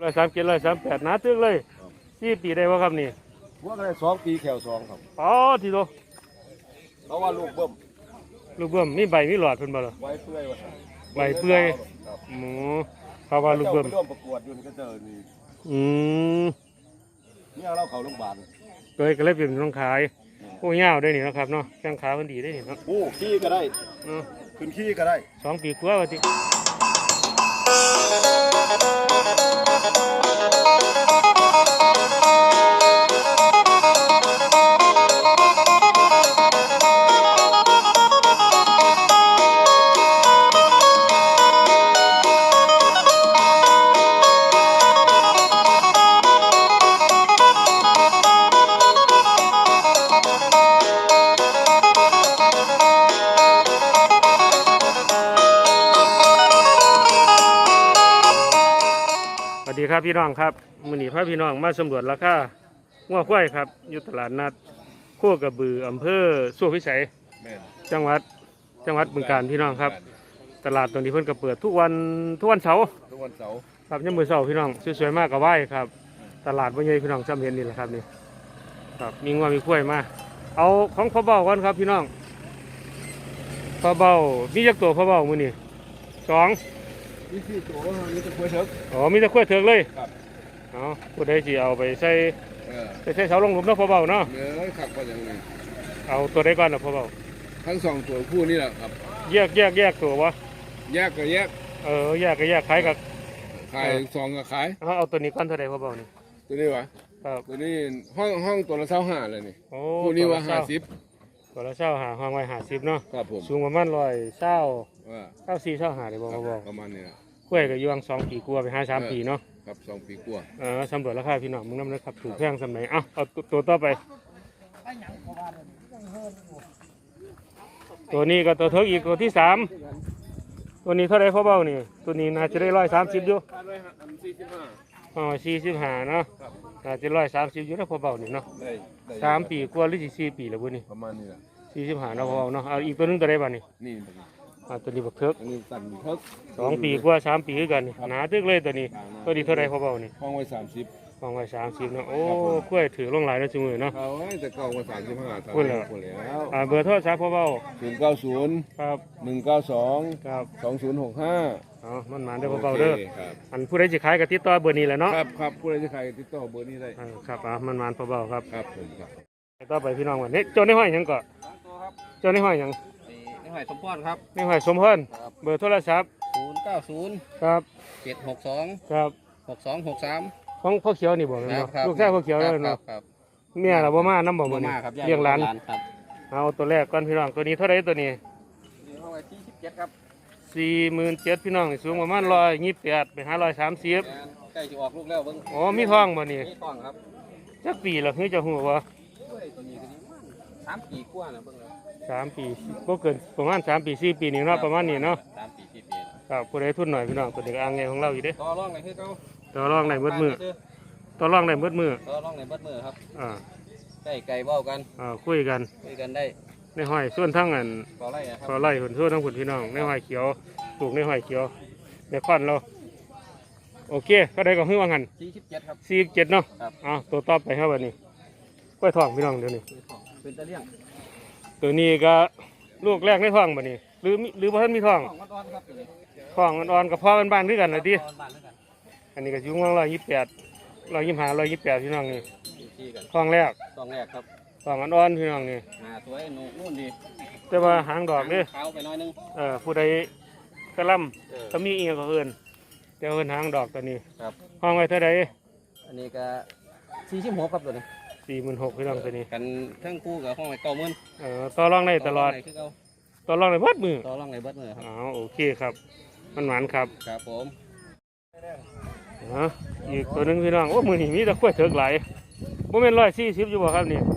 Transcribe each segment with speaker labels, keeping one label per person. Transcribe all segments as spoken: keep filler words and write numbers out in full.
Speaker 1: ร้อยสามเจ็ดร้อยสามแปดหนาตึกเลยสี่ปีได้บ่ครับนี่
Speaker 2: ว่าก็ได้สองปีแขวสองครับ
Speaker 1: อ๋อทีโต
Speaker 2: เพราะว่าลูกเบิ่ม
Speaker 1: ลูกเบิ่มมีใบมีหลอดเพิ่นบ่ล่ะ
Speaker 2: ไว้เปื่อยว่า
Speaker 1: ใบเปื่อยหมูเขาว่าลูกเบิ่ม
Speaker 2: ร่วมประกวดอยู่นี่ก็เจอนี่
Speaker 1: อืม
Speaker 2: เนี่ยเราเข้าโรงพยาบาล
Speaker 1: เลยก็เลยเป็นต้องขายโอ้ยาวได้นี่นะครับเนาะแข้งขาเพิ่นดีได้นี่เนาะ
Speaker 2: โอ้ขี้ก็ได้
Speaker 1: เนาะ
Speaker 2: ขึ้นขี้ก็ได้
Speaker 1: สองปีกว่าว่าติสวัสดีครับพี่น้องครับมื้อนี้พาพี่น้องมาสำรวจราคางัวควายครับอยู่ตลาดนัดโคกระบืออำเภอสุวรรณพิสัยจังหวัดจังหวัดบึงกาฬพี่น้องครับตลาดตรงนี้เพิ่นก็เปิดทุกวันทุกวันเสาร์
Speaker 2: ทุกวันเสาร์
Speaker 1: ครับยามมื้อเสาร์พี่น้องสวยๆมากก็ไหว้ครับตลาดบ่ใหญ่พี่น้องจำเห็นนี่แหละครับนี่ครับมีงัวมีควายมาเอาของพ่อเบ้าก่อนครับพี่น้องพ่อเบ้ามีจักตัวพ่อเบ้ามื้อนี้สอง
Speaker 2: นี่คือตัวนี้จะกล้วยเถิก
Speaker 1: อ๋อมีแต่กล้วยเถิกเลย
Speaker 2: ครับ
Speaker 1: อ๋อผู้ใดสิเอาไปใส่ไปใส่เสาลงหลุมเนาะพ่อเบาเนาะ
Speaker 2: เนื้อขับก็อย่างนี้
Speaker 1: เอาตัวใดก่อนนะพ่อเบา
Speaker 2: ทั้งสองตัวคู่นี่แหละครับ
Speaker 1: แยกแยกแยกตัววะ
Speaker 2: แยกก็แยก
Speaker 1: เออแยกก็แยกขายกับ
Speaker 2: ขายสองก็ขาย
Speaker 1: เอาเอาตัวนี้ก่อนเท่าใดพ่อเบานี่
Speaker 2: ตัวนี้วะ
Speaker 1: ครับ
Speaker 2: ตัวนี้ห้องห้องตัวละเท่าห้าเลยนี่คู่นี้ว่าห้าสิบ
Speaker 1: ตัวละเช่าหาห้องไว้ห้าสิบเนาะ
Speaker 2: ครับผม
Speaker 1: สูงประมาณร้อยเช่าเช่าสี่เช่าหาเลยบอกพ่อเบา
Speaker 2: ประมาณนี้นะ
Speaker 1: กล้วยก็ยวงสองปีกลัวไปห้าสามปีเนาะ
Speaker 2: ครับสองปีกลัว
Speaker 1: เออสำรวจราคาพี่น้องมึงน้ำนะครับถูกแพงสมัยอ่ะเอาตัวต่อไปตัวนี้ก็ตัวเทิกอีกตัวที่สามตัวนี้เท่าไรพ่อเบ้านี่ตัวนี้น่าจะได้ร้อยสามสิบอยู่อ๋อสี่สิบห้าเนาะน่าจะร้อยสามสิบอยู่นะพ่อเบ้านี่เนาะสามปีกว่าหรือสี่ปีแล้วบุนี่
Speaker 2: ประมาณนี้แหละ
Speaker 1: สี่สิบห้าเนาะพ่อเบ้าเนาะเอาอีกตัวนึงตัวใดบ้างนี่
Speaker 2: นี่
Speaker 1: อ่าตัวนี้บักเทิก
Speaker 2: เทิก
Speaker 1: สองปีกว่าสามปีกันหนาตึกเลยตัวนี้ตัวนี้เท่าไรพ่อเบ้านี่
Speaker 2: ห้องไว้สามสิบ
Speaker 1: ห้องไว้สามสิบเนาะโอ้กล้วยถือลงหลายนะจุ่มเนาะ
Speaker 2: เขาแต่เก่ามาสามสิบห้า
Speaker 1: พูดแล้วอ่าเบอร์โทรศัพท์พ่อเบ้า
Speaker 2: ศูนย์เก้าศูนย์
Speaker 1: ครับ
Speaker 2: หนึ่งเก้าสอง
Speaker 1: ครับ
Speaker 2: สองศูนย์หกห้า
Speaker 1: อ๋อมันมาได้พ่อเบ้าเด้ออันผู้ใดจะขายกับติดต่อเบอร์นี้แหละเนาะ
Speaker 2: ครับครับผู้ใดจะขายติดต่อเบอร์นี้ได้
Speaker 1: ครับอ่ามันมาพ่อเบ้าครับ
Speaker 2: ครับผมครับ
Speaker 1: ต่อไปพี่น้องวันนี้โจนในห้อยยังก่อนโจนในห้อยยัง
Speaker 3: ในหอยสมพรครับ
Speaker 1: ในหอยสมพรเบอร์โทรศัพท์
Speaker 3: ศูนย์เก้าศูนย์
Speaker 1: ครับ
Speaker 3: เจ็ดหกสอง
Speaker 1: ครับ
Speaker 3: หกสองหกสาม
Speaker 1: ของพ่อเขียวนี่บอกเนาะลูกชายพ่อเขียวเลยเนาะเมียเราบ่มาน้ำบ่
Speaker 3: มา
Speaker 1: นี่
Speaker 3: เลี้ยง
Speaker 1: หลาน
Speaker 3: เอา
Speaker 1: ตัวแรกก่อนพี่น้องตัวนี้เท่าไรตัวนี้
Speaker 3: สี่สิบเจ็ดครับ
Speaker 1: สี่หมื่นเจ็ดพี่น้องสูงประมาณร้อยยี่สิบแปดไปห้าร้อยสามสิบ
Speaker 3: ใกล้จะออกลูกแล้วเบิ้ง
Speaker 1: อ๋อมีท้องบ่นี่
Speaker 3: มีท้องครับ
Speaker 1: จักปีละคือจะหัววะ
Speaker 3: สามปีกว่านะเบิ้ง
Speaker 1: สามปีก็เกินประมาณสามปีสี่ปีนี่เนาะประมาณนี้เนาะ
Speaker 3: สามปีสี่ปี
Speaker 1: ครับผู้ใดทุนหน่อยพี่น้องตัวเด็กอ่างไงของเราอยู่เด้
Speaker 3: ต่อรองไหนคือเขา
Speaker 1: ต่อรองไหนมืดมือต่อรองไหนมืดมือ
Speaker 3: ต่อรองไหนมืดมือครับ
Speaker 1: อ่า
Speaker 3: ใกล้ไก่เบ้ากัน
Speaker 1: อ่าคุยกัน
Speaker 3: คุยกันได้
Speaker 1: ในห้อยส่วนทั้งอัน
Speaker 3: ขอไล่
Speaker 1: ขอไล่ผลส่วนทั้งผลพี่น้องในห้อยเขียวปลูกในห้อยเขียวในควันเราโอเคก็ได้ก็หื้อว่างัน
Speaker 3: สี่สิบเจ็ดครับ
Speaker 1: สี่สิบเจ็ดเนาะอ่าตัวต่อไปครับวันนี้กล้วยทองพี่น้องเดี๋ยวนี้
Speaker 3: เป็นตะเลี่ยง
Speaker 1: ตัวนี้ก็ลูกแรกในท้องบ่นี่หรือหรือพ่ท่านมีท้องท้องอ่อนๆกับพ่อบ้านๆด้วยกันนะดิอันนี้ก็ยุ่งว่างร้อยยี่สิบแปดร้อยยี่สิบห้าร้อยยี่สิบแปดพี่น้องนี่ท้องแรก
Speaker 3: ท้องแรกครับ
Speaker 1: ท้องอ่อนๆพี่น้องนี่
Speaker 3: หาสวยนุ่นดี
Speaker 1: แต่ว่าหางดอกเด้
Speaker 3: ขาวไปน้อยนึง
Speaker 1: เออผู้ใดกระลำถ้ามีเอียงก็เอินแต่เอินหางดอกตัวนี้
Speaker 3: ครับ
Speaker 1: ห้องไว้เท่าไร
Speaker 3: อันนี้ก็สี่สิบหกครับตัวนี้
Speaker 1: สี่หมื่นหกพี่น้องตัวนี้
Speaker 3: กันทั้งคู่กับห้องไอ้เก้าหมื่น
Speaker 1: เออต่อรองได้ตลอดต่อรองในบัดมือ
Speaker 3: ต่อรองในบัดมือครับ
Speaker 1: อ๋อโอเคครับมันหวานครับ
Speaker 3: ครับผม
Speaker 1: อ๋ออีกตัวนึงพี่น้องโอ้มือนี่มีแต่กล้วยเถิกไหลโมเมนต์ร้อยสี่สิบอยู่บ่ครับนี่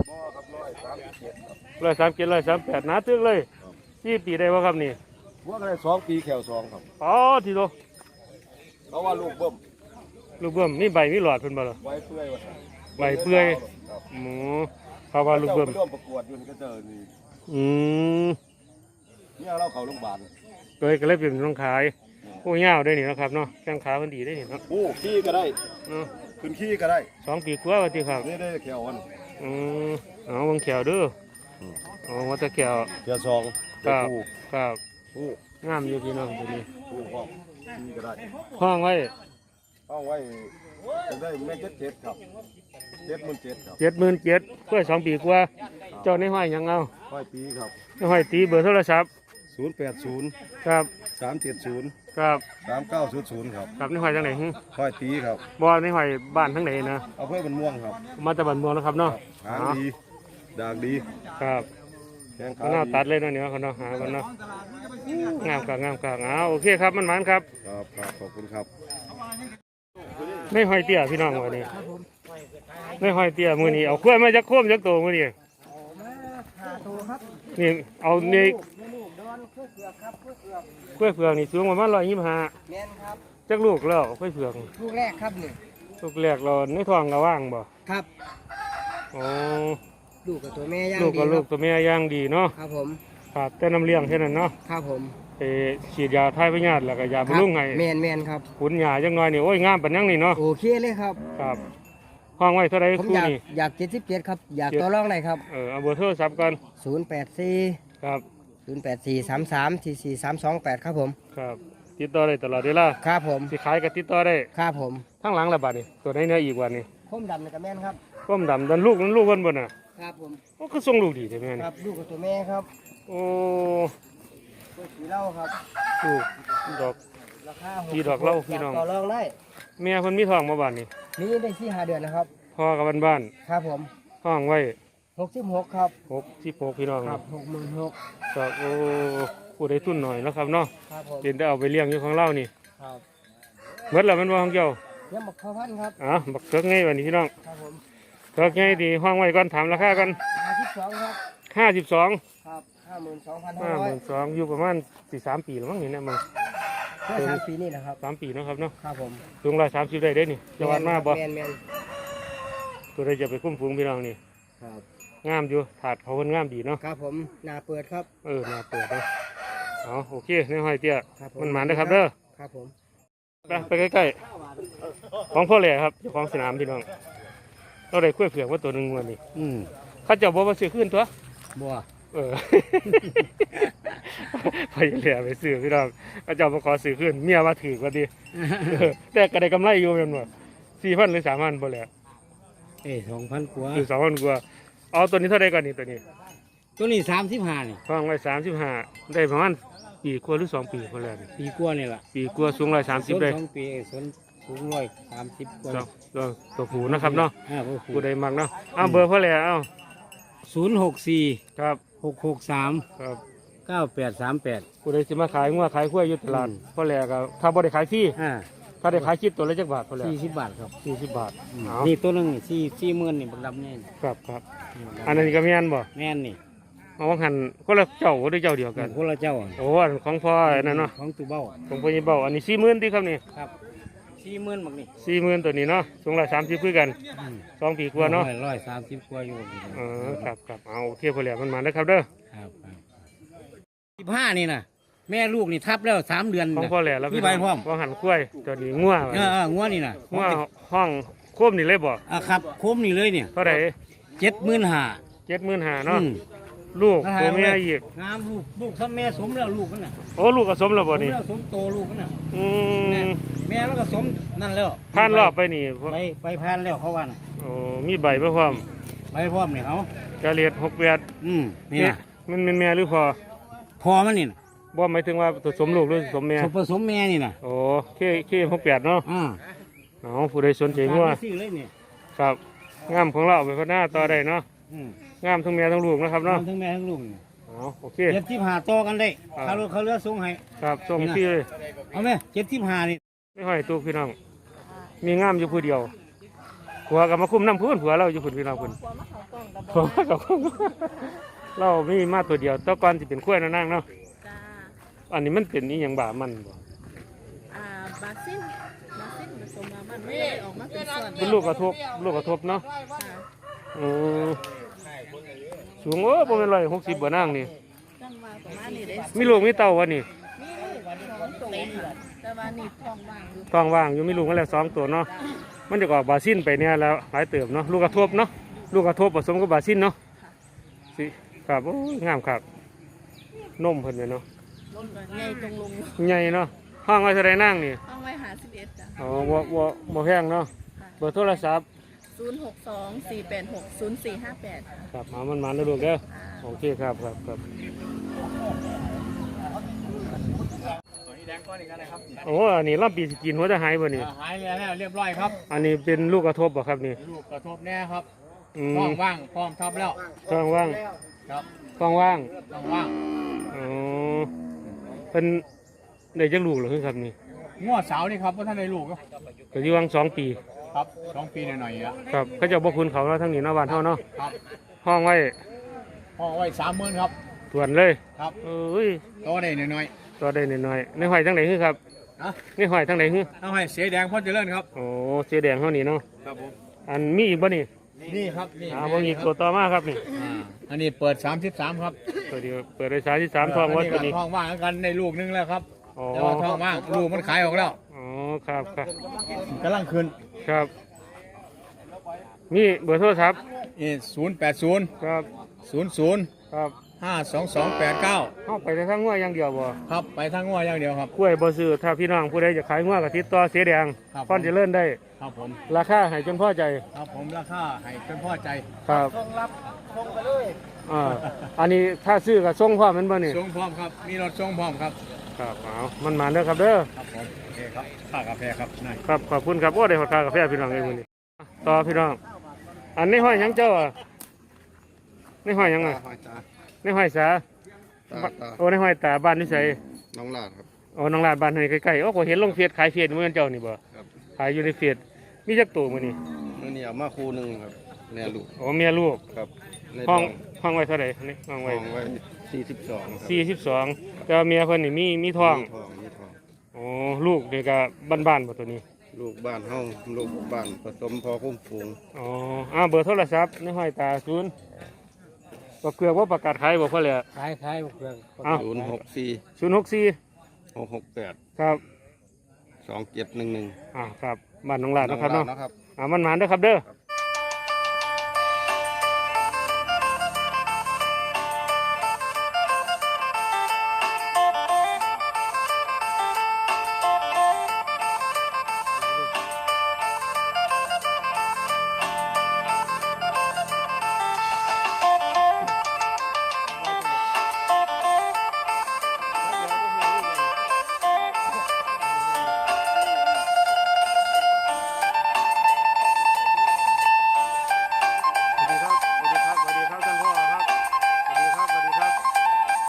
Speaker 1: ร้อยสามเจ็ดร้อยสามแปดหนาตึกเลยสี่ปีได้บ่ครับนี่
Speaker 2: ว่าก็ได้สองปีแขวสองครับ
Speaker 1: อ๋อทีโต
Speaker 2: เพราะว่าลูกเบิ่ม
Speaker 1: ลูกเบิ่มมีใบมีหลอดเพิ่นบ่ล่ะ
Speaker 2: ไว้เปื่อย
Speaker 1: ใบเปื่อยหมูเขาว่าลูกเบิ่ม
Speaker 2: ร่วมประกวดอยู่นี่ก็เจอนี่
Speaker 1: อืม
Speaker 2: เนี่ยเราเข้าโรงพยาบาล
Speaker 1: เลยก็เลยเป็นต้องขายโอ้ยาวได้นี่นะครับเนาะแข้งขามันดีได้นี่เนาะ
Speaker 4: โอ้ขี้ก็ได้
Speaker 1: เนาะ
Speaker 4: ขึ้นขี้ก็ได้
Speaker 1: สองปีกว่าว่าติครับ
Speaker 4: นี่ได้แขวอัน
Speaker 1: อืมเอาเบิ่งแขวเด้ออ๋อว่าแต่แขว
Speaker 4: แขวสอง
Speaker 1: ครับ
Speaker 4: คู่
Speaker 1: ครับ
Speaker 4: คู่
Speaker 1: งามอยู่พี่น้องตัวนี้
Speaker 4: คู่ห้องขี้ก็ได้
Speaker 1: ห้องไว้
Speaker 4: เอาไว้จะได้แม่เจ็ดเจ็ดครับเจ็ดหมื่นเจ็ดครับ
Speaker 1: เจ็ดหมื่นเจ็ดเพื่อสองปีกว่าเจ้าในห้อยหยังเอา
Speaker 4: ร้อยปีครับ
Speaker 1: ในห้อยตีเบอร์โทรศัพท์
Speaker 4: ศูนย์แปดศูนย์
Speaker 1: ครับ
Speaker 4: สามเจ็ดศูนย์
Speaker 1: ครับ
Speaker 4: สามเก้าศูนย์ศูนย์ครับ
Speaker 1: ครับในห้อยทางไหนหึ
Speaker 4: ร้อยปีครับ
Speaker 1: บ่ในห้อยบ้านทางไหนนะ
Speaker 4: เอาเพื่อเป็นม่วงครับ
Speaker 1: มาจากบ้านเมืองนะครับเนาะ
Speaker 4: หางดีดากดี
Speaker 1: ครับ
Speaker 4: แข้งขา
Speaker 1: ก็น่า
Speaker 4: ดี
Speaker 1: ตัดเลยเนาะเนี่ยเขาเนาะหากันเนาะงามกางามกางเอาโอเคครับมันมันครับ
Speaker 4: ครับครับขอบคุณครับ
Speaker 1: ในห้อยเตี้ยพี่น้องวันนี้ในห้อยเตี้ยมือนี้เอาขั้วยมาจากโค้มจากโตมือนี้นี่เอานี่ขั้วยเผือกนี่สูงประมาณร้อยยี่สิบห้า
Speaker 3: แม่นครับ
Speaker 1: จักลูกแล้วขั้วยเผือก
Speaker 3: ลูกแรกครับนี่
Speaker 1: ลูกแรกเราในท้องก็ว่างบ่
Speaker 3: ครับ
Speaker 1: อ๋อ
Speaker 3: ลูกกับตัวแม่ย่าง
Speaker 1: ลูก
Speaker 3: ดี
Speaker 1: กับ
Speaker 3: ค
Speaker 1: ลู
Speaker 3: รั
Speaker 1: ก
Speaker 3: บ
Speaker 1: ตัวแม่ย่างดีเนาะ
Speaker 3: ครับผม
Speaker 1: ขาดแต่น้ำเลี้ยงแค่นั้นเนาะ
Speaker 3: ครับผม
Speaker 1: ไปฉีดยาทายพยาธิแล้วก็ยาบำรุงให้
Speaker 3: แม่นแม่นครับ
Speaker 1: ขุนหญ้าจังน้อยนี่โอ้ยงามปานยังนี่เนาะ
Speaker 3: โอเคเลยครับ
Speaker 1: ครับห้องไว้เท่าไร
Speaker 3: ผม
Speaker 1: คู่
Speaker 3: อยาก
Speaker 1: นี่
Speaker 3: อยากเจ็ดสิบเจ็ดครับ อยาก
Speaker 1: เจ็ด
Speaker 3: ต่อรองได้ครับ
Speaker 1: เออเอาเบอร์โทรศัพท์ก่อน
Speaker 3: ศูนย์แปดสี่
Speaker 1: ครับ
Speaker 3: ศูนย์แปดสี่สามสามสี่สี่สามสองแปดครับผม
Speaker 1: ครับติดต่อได้ตลอดเวลา
Speaker 3: ครับผม
Speaker 1: สิขายก็ติดต่อได้
Speaker 3: ครับผม
Speaker 1: ทั้งหลังละบาดนี่ตัวไหนเนื้ออีกวันนี้
Speaker 3: คมดำในกระแม่นครับ
Speaker 1: ก้มดำดันลูกนั้นลูกเพิ่นบ่น่ะ
Speaker 3: ครับผม
Speaker 1: โอ้คือส่งลูกดีแต่แม่
Speaker 3: ค
Speaker 1: นี่
Speaker 3: รับลูกกับตัวแม่ครับ
Speaker 1: โอ้
Speaker 3: ตัวสีเหล้าครับ
Speaker 1: ลูกดอก
Speaker 3: ราคา
Speaker 1: พี่ดอกเหล้าพี่น้อง
Speaker 3: ต่อรองได้
Speaker 1: แม่เพิ่นมีท้องมาบาดนี่
Speaker 3: นี่ได้สี่ห้าเดือนนะครับ
Speaker 1: พ่อกับบ้าน
Speaker 3: ครับผม
Speaker 1: ๆห้องไว้
Speaker 3: หกสิบหกครับ
Speaker 1: หกสิบหกพี่น้อง
Speaker 3: ครับหกหมื่นหก
Speaker 1: ก็โอ้ผู้ได้ทุนหน่อยนะครับเนาะ
Speaker 3: ครับผม
Speaker 1: เป็นได้เอาไปเลี้ยงอยู่ของเรานี่
Speaker 3: ครับ
Speaker 1: เบิดแล้วมันว่าของเจ้า
Speaker 3: ยังบักข้าวพันธุ์ครับ
Speaker 1: อ่ะบักเถิกไงวันนี้พี่น้อง
Speaker 3: ครับผม
Speaker 1: เถิกไงดีห้องไว้ก่อนถามราคากัน
Speaker 3: ห้าสิบสองครับ
Speaker 1: ห้าสิบสอง
Speaker 3: ครับห้าหมื่นสองพันห้า
Speaker 1: ห้า
Speaker 3: ร้
Speaker 1: ห
Speaker 3: อย
Speaker 1: มื่นสองอยู่ประมาณสี่สามปีแล้วมั้งนี่เนี่ยมึง
Speaker 3: เพื่อสามปีนี่นะครับ
Speaker 1: สามปีเนาะครับเนาะ
Speaker 3: ครับผม
Speaker 1: สูงร้อยสามสิบได้ได้นี่จะวันมาบ่
Speaker 3: แมนแมน
Speaker 1: ตัวใดจะไปคุ้มฟูงพี่น้องนี่
Speaker 3: ครับ
Speaker 1: งามอยู่ถาดเขาคนงามดีเนาะ
Speaker 3: ครับผมหนาเปิดครับ
Speaker 1: เออน่าเปิดเนาะเอาโอเคในห้อยเตี้ย
Speaker 3: ครับผ
Speaker 1: มันหมานได้อครับเด้อ
Speaker 3: ครับผม
Speaker 1: ไปไปใกล้ๆของพ่อแหล่ครับเจ้าของสนามพี่น้องเราได้คุ้ยเผือกว่าตัวหนึ่งวันนี้
Speaker 3: อืม
Speaker 1: เขาเจะบอกว่าซื้อขึ้นตัว
Speaker 3: บัว
Speaker 1: เออ ไปเหลือไปซื้อพี่น้องเขาเจะมาขอซื้อขึ้นเมียมาถือกว่าดีเออแต่ก็ได้กำไรอยู่เป็นว่าสี่พันหรือสามพันพอแหละ
Speaker 3: เอ้สองพันกว่า
Speaker 1: คือสองพันกว่าเอาตัวนี้เท่าไรก่อนนี่ตัวนี้
Speaker 3: ตัวนี้สามสิบห้านี่
Speaker 1: ฟังไว้สามสิบห้าได้ประมาณปีกว่าหรือสองปีพอแล้ว
Speaker 3: ปีกว่านี่แหละ
Speaker 1: ปีกว่าสูงร้อยสามสิบได้
Speaker 3: สองปีสนสูงร้อยสามสิบกว่า
Speaker 1: เนาะเนาะตัวผูนะครับเนาะ
Speaker 3: อ่าผู้
Speaker 1: ผู้ใดมักเนาะเอาเบอร์พ่อแหล่เอา
Speaker 3: ศูนย์หกสี่
Speaker 1: ครับ
Speaker 3: หกหกสาม
Speaker 1: ครับ
Speaker 3: เก้าแปดสามแปด
Speaker 1: ผู้ใดสิมาขายงัวขายกล้วยอยู่ตลาดพ่อแหล่ก็ถ้าบ่ได้ขายฟรี
Speaker 3: อ่า
Speaker 1: ถ้าได้ขายคิดตัวละจักบาทพ่อแหล่
Speaker 3: สี่สิบบาทครับ
Speaker 1: สี่สิบบาทเอา
Speaker 3: นี่ตัวหนึงนี่สี่สี่หมื่นนี่บักดำนี่
Speaker 1: ครับครับอันนั้นก็แม่นบ่
Speaker 3: แม่นนี่
Speaker 1: เอาว่าหันคนละเจ้าหรือเจ้าเดียวกัน
Speaker 3: คนละเจ้าอะ
Speaker 1: โอ้อันของพ่ออันนั้นเนาะ
Speaker 3: ของตูเบ้า
Speaker 1: ของพ่อยี่เบ้าอันนี้สี่หมื่นที่ครับนี่
Speaker 3: ครับสี่หมื่นบักนี่
Speaker 1: สี่หมื่นตัวนี้เนาะสูงละสามสิบคือกันสองปีกว่าเนาะ
Speaker 3: ร้อยสามสิบกว่าอยู่
Speaker 1: เออครับครับเอาโอเคพ่อแหล่มันมาแล้วครับเด้อ
Speaker 3: ครับครับสิบห้านี่นะแม่ลูกนี่ทับแล้วสามเดือน
Speaker 1: ของ
Speaker 3: น่ะ
Speaker 1: พ่อแหล่แล้ว
Speaker 3: มีใบพร้อม
Speaker 1: ว่าหันกล้วยตัวนี้งัว
Speaker 3: เออเอองัวนี่นะ
Speaker 1: งัวห้องโคมนี่เลยบ่
Speaker 3: อ่ะครับโคมนี่เลยเนี่ย
Speaker 1: เท่าไหร่
Speaker 3: เจ็ดหมื่นห้า
Speaker 1: เจ็ดหมื่นห้าเนาะลูกตัวเมียอีก
Speaker 3: งามลูกลูกถ้าแม่สมแล้วลูกมันน่ะ
Speaker 1: โอ้ลูกก็สมแล้วบ่
Speaker 3: สม
Speaker 1: นี่
Speaker 3: แล้วสมโตลูกมันน่ะ
Speaker 1: อื
Speaker 3: แม่
Speaker 1: ม
Speaker 3: แม่แล้วก็สมนั่นแล้ว
Speaker 1: ผ่านรอบไปนี่
Speaker 3: ไปไปผ่านแล้วเขาว่าน่ะ
Speaker 1: โอ้มีใบมาพร้อม
Speaker 3: ไปพร้อมเนี่ยเขา
Speaker 1: กะเลียดหกแปด
Speaker 3: อืมนี่นะ
Speaker 1: มันเป็นแม่หรือพอ
Speaker 3: พอมันนี่นะ
Speaker 1: บ่หมายถึงว่าตัวสมลูกหรือสมแม่
Speaker 3: ผผสมแม่นี่นะ
Speaker 1: โอ้เคเคหกแปดเนาะ
Speaker 3: อ่า
Speaker 1: เอาผู้ใดสนใจงัว
Speaker 3: ซื้อเลยเนี่ย
Speaker 1: ครับงามของเราเอาไปพัฒนาต่อได้เนาะ
Speaker 3: อืม
Speaker 1: งามทั้งแม่ทั้งลูกนะครับเนาะ
Speaker 3: ทั้งแม่ทั้งลูกเนี่ย
Speaker 1: เอาโอเค
Speaker 3: เจ็ดสิบห้าต่อกันได้
Speaker 1: ครับ
Speaker 3: เขาเลือกเขาเลือกส่งให้
Speaker 1: ครับส่งที่เลย
Speaker 3: เอาไหมเจ็ดสิบห้านี่
Speaker 1: ไม่ห้อยตู้พี่น้องมีงามอยู่ผู้เดียวผัวกับมาคุ้มน้ำพื้นผัวเราอยู่พุ่นพี่น้องพุ่นผัวกับเรามีมาตัวเดียวแตะกอนที่เป็นกล้วยนะนั่งเนาะ
Speaker 5: จ้า
Speaker 1: อันนี้มันเป็นนี่ยังบ่ามันบ่
Speaker 5: อ่าบาซิลบาซิลผสมมามันไม่ได้ออกมาเป็นส่วน
Speaker 1: เป็นลูกกระทบลูกกระทบเนาะ
Speaker 5: ค่ะ
Speaker 1: อืมสูงโอ้ประมาณร้อยหกสิบบ่นั่งนี่
Speaker 5: ตั้งมาประมาณนี้ได้
Speaker 1: มีลูกมีเต้าวะนี่
Speaker 5: มีสองตัวค่ะแต่ว่านี่ท้องว่างอยู่
Speaker 1: ท้องว่างอยู่มีลูกมาแล้วสองตัวเนาะมันจะออกบาซินไปเนี่ยแล้วหลายเติบเนาะลูกกระทบเนาะลูกกระทบผสมกับบาซินเนาะสิครับโอ้ยงามครับนมเพิ่นเนี่ยเนาะ
Speaker 5: ลงใหญ่ตรงลง
Speaker 1: ใหญ่เนาะห้องไว้เท่าไรนั่งนี่
Speaker 5: ห้องไว้หาสิบเอ็ดจ้ะ
Speaker 1: อ๋อบ่บ่บ่แพงเนาะเบอร์โทรศัพท์
Speaker 5: ศูนย์หกสองสี่แปดหกศูนย์สี่ห้าแปด
Speaker 1: ครับมามันมาแล้วลูกเด้อโอเคครับครับครับ
Speaker 3: ตัวนี้แดงก้อนอีกแล้วนะครับ
Speaker 1: โอ้อันนี้ลำปีสิกินหัวจะหายบ่นี่
Speaker 3: หายแล้วเรียบร้อยครับ
Speaker 1: อันนี้เป็นลูกกระทบบ่ครับนี่
Speaker 3: ลูกกระทบแน่ครับ
Speaker 1: อืม
Speaker 3: ท้องว่างพร้อมทับแล้ว
Speaker 1: ท้องว่าง
Speaker 3: ครับ
Speaker 1: ท้องว่าง
Speaker 3: ท้องว่าง
Speaker 1: อ๋อเป็นได้จักลูกเหรอครับนี่
Speaker 3: ง้อสาวนี่ครับว่าท่านในลูกครับ
Speaker 1: ก็อยู่วังสองปี
Speaker 3: ครับสองปีหน่อยๆอ่ะ
Speaker 1: ครับเขาเจะบ่คุณเขาเนาะทั้งนี้เนาะบ้านเฮาเนาะ
Speaker 3: ครับ
Speaker 1: ห้องไว้
Speaker 3: ห้องไว้สามหมื่นครับ
Speaker 1: ตวนเลย
Speaker 3: ครับ
Speaker 1: เอ้ย
Speaker 3: โตได้หน่อย
Speaker 1: ตัวได้นิดหน่อยในหอยทั้งไหนคือครับ
Speaker 3: ๆนะ
Speaker 1: ในหอยทั้งไหนคือ
Speaker 3: เอาให้เสียแดงพ่อเจริญครับ
Speaker 1: โอ้เสียแดงเฮานี่เนาะ
Speaker 3: ครับผม
Speaker 1: อันมีอีกบ่นี่
Speaker 3: นี่ครับนี่
Speaker 1: อ่าบ่มีอีกตัวต่อมาครับนี่
Speaker 3: อ่าอันนี้เปิดสามสิบสามครับ
Speaker 1: ตัวเดียวเปิดได้สามสิบสามทองวัดตัวนี้
Speaker 3: ท้องว่างกันในลูกนึงแล้วครับ
Speaker 1: อ๋อ
Speaker 3: แต่ว่าท้องว่างลูกมันขายออกแล้ว
Speaker 1: อ๋อครับครับ
Speaker 3: กำลังขึ้น
Speaker 1: ครับมีเบอร์โทรศัพท์
Speaker 3: นี่ศูนย์แปดศูนย์
Speaker 1: ครับ
Speaker 3: ศูนย์ศูนย์
Speaker 1: ครับ
Speaker 3: ห้าสองสองแปดเก้า
Speaker 1: เฮาไปแต่ทางงัวอย่างเดียวบ่
Speaker 3: ครับไปทางงัวอย่างเดียวครับ
Speaker 1: กล้วยบ่ซื้อถ้าพี่น้องผู้ใดจะขายงัวก็ติดต่อเสียแดง
Speaker 3: ครับ
Speaker 1: พอนจะเลิ่นได้
Speaker 3: ครับผม
Speaker 1: ราคาให้จนพอใจ
Speaker 3: ครับผมราคาให้จนพอใจ
Speaker 1: ครับ
Speaker 3: ส่งรับส่งไปเลย
Speaker 1: อ่าอันนี้ถ้าซื้อก็ส่งพร้อมแม่นบ่นี่
Speaker 3: ส่งพร้อมครับมีรถส่งพร้อมครับ
Speaker 1: ครับเอามันมาเด้อครับเด้อ
Speaker 3: ครับผมโอเคครับค่ากาแฟครับนาย
Speaker 1: ครับขอบคุณครับโอ้ได้ขอค่ากาแฟพี่น้องเอ้ยมื้อนี้ต่อพี่น้อง อันนี้ห้อยหยังเจ้าอ่ะในห้อยหยังอ่ะ
Speaker 4: หอยตา
Speaker 1: ในห้อยสา
Speaker 4: ตาตา
Speaker 1: โอ้ในห้อยตาบ้านนิสัย
Speaker 4: น้องลาดครับ
Speaker 1: โอ้น้องลาดบ้านให้ใกล้ๆโอ้ก็เห็นลงเฟซขายเฟซเหมือนเจ้านี่บ่
Speaker 4: ครับ
Speaker 1: ขายอยู่ในเฟซมีจักตัวมื้อนี้
Speaker 4: มื่อนี้เอามาคู่หนึ่งครับแม่ลูก
Speaker 1: โอ้เมียลูก
Speaker 4: ครับใน
Speaker 1: ห้อง
Speaker 4: ท้
Speaker 1: ห้องไว้เท่าไหร่นี่ห้อง
Speaker 4: ห้
Speaker 1: ไว้
Speaker 4: องไว้สี่สิบสองครับ
Speaker 1: สี่สิบสองแต่ว่าเมียเพิ่นนี่มีมีท้อง
Speaker 4: มีทองมีทอง
Speaker 1: โอ้ลูกนี่ก็บ้านๆบ่ตัวนี้
Speaker 4: ลูกบ้านเฮาลูกบ้านผสมพอคุ้มฝูง
Speaker 1: อ๋ออ้าวเบอร์โทรศัพท์ในห้อยตาศูนย์บ่เกลือว่าประกาศขายบ่พอแล้ว
Speaker 3: ขายขายเพื่อน
Speaker 1: อ้าว
Speaker 4: ศูนย์หกสี่
Speaker 1: ศูนย์หกสี่
Speaker 4: หกหกแปด
Speaker 1: ครับ
Speaker 4: สองเจ็ดหนึ่งหนึ่ง
Speaker 1: อ่าครับบ้านน้องลาดเนาะครับเนาะ
Speaker 4: นะครับ
Speaker 1: อ่ามันหมานเด้อครับเด้อ
Speaker 4: ครับ